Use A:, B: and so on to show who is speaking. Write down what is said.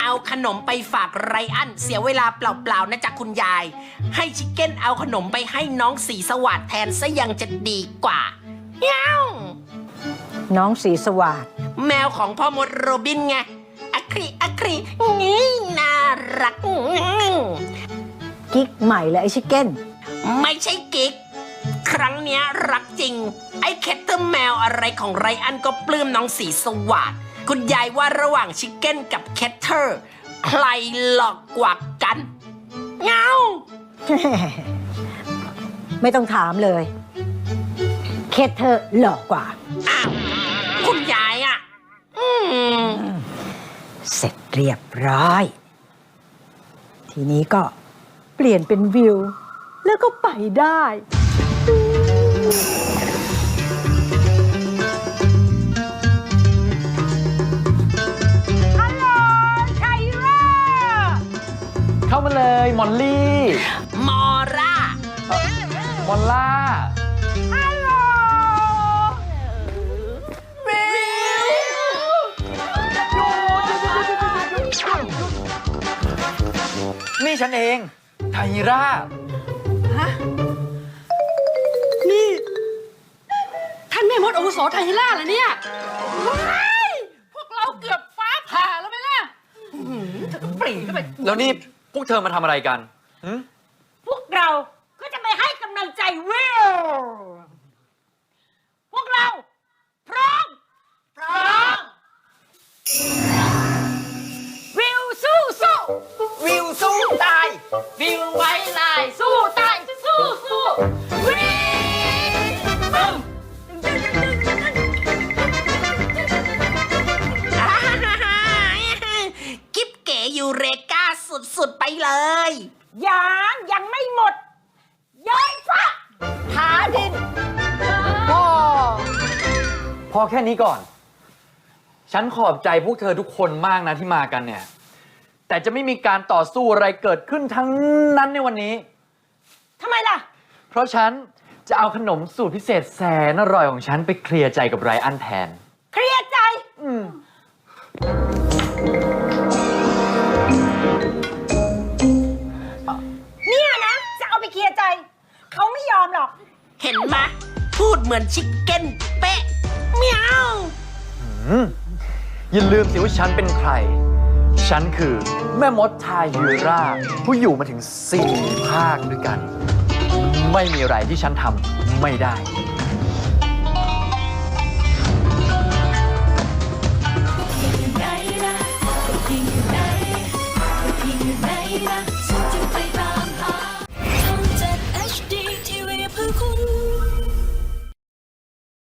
A: เอาขนมไปฝากไรอันเสียเวลาเปล่าๆนะจ๊ะคุณยายให้ชิคเก้นเอาขนมไปให้น้องสีสวัสดแทนซะยังจะดีกว่าเย้า
B: น้องสีสวัสด
A: แมวของพ่อมดโรบินไงอะครีงี้น่ารัก
B: กิ๊กใหม่เลยไอชิคเก้น
A: ไม่ใช่กิ๊กครั้งเนี้ยรักจริงไอ้แคทเตอร์แมวอะไรของไรอันก็ปลื้มน้องสีสวัสดคุณยายว่าระหว่างชิคเก้นกับแคทเตอร์ใครหลอกกว่ากันเงา
B: ไม่ต้องถามเลยเคทเธอหล่อกว่า
A: อ้าวคุณยายอ่ะ
B: เสร็จเรียบร้อยทีนี้ก็เปลี่ยนเป็นวิวแล้วก็ไปได้
C: เข้ามาเลยมอลลี่
A: มอร่าม
C: อลล่า
A: ฮัลโหลวิว
C: นี่ฉันเองไทร่า
D: ฮะนี่ท่านแม่มดอาวุโสไทร่าเหรอเนี่ยพวกเราเกือบฟ้าผ่าแล้วไหมล่ะเธอก็ปรีเข้าไป
C: แล้วนี่พวกเธอมาทำอะไรกัน
D: พวกเราก็จะไปให้กำลังใจวิวพวกเราพร้อมวิวสู้
A: วิวสู้ตาย
D: วิวไว้ลายสู้ตายสู้วิว
A: กิ๊บเก๋ยูเรกาสุดๆไปเลย
D: ยังไม่หมดย้อยฟ้าหาดิน
C: พอแค่นี้ก่อน ฉันขอบใจพวกเธอทุกคนมากนะที่มากันเนี่ยแต่จะไม่มีการต่อสู้อะไรเกิดขึ้นทั้งนั้นในวันนี้
D: ทำไมล่ะ
C: เพราะฉันจะเอาขนมสูตรพิเศษแสนอร่อยของฉันไปเคลียร์ใจกับไรอันแทน
D: เคลียร์ใจเนี่ยนะจะเอาไปเคลียร์ใจเขาไม่ยอมหรอก
A: เห็นไหมพูดเหมือนชิคเก้นเป๊ะเมียว
C: อย่าลืมสิว่าฉันเป็นใครฉันคือแม่มดทายูราผู้อยู่มาถึง4 ภาคด้วยกันไม่มีอะไรที่ฉันทำไม่ได้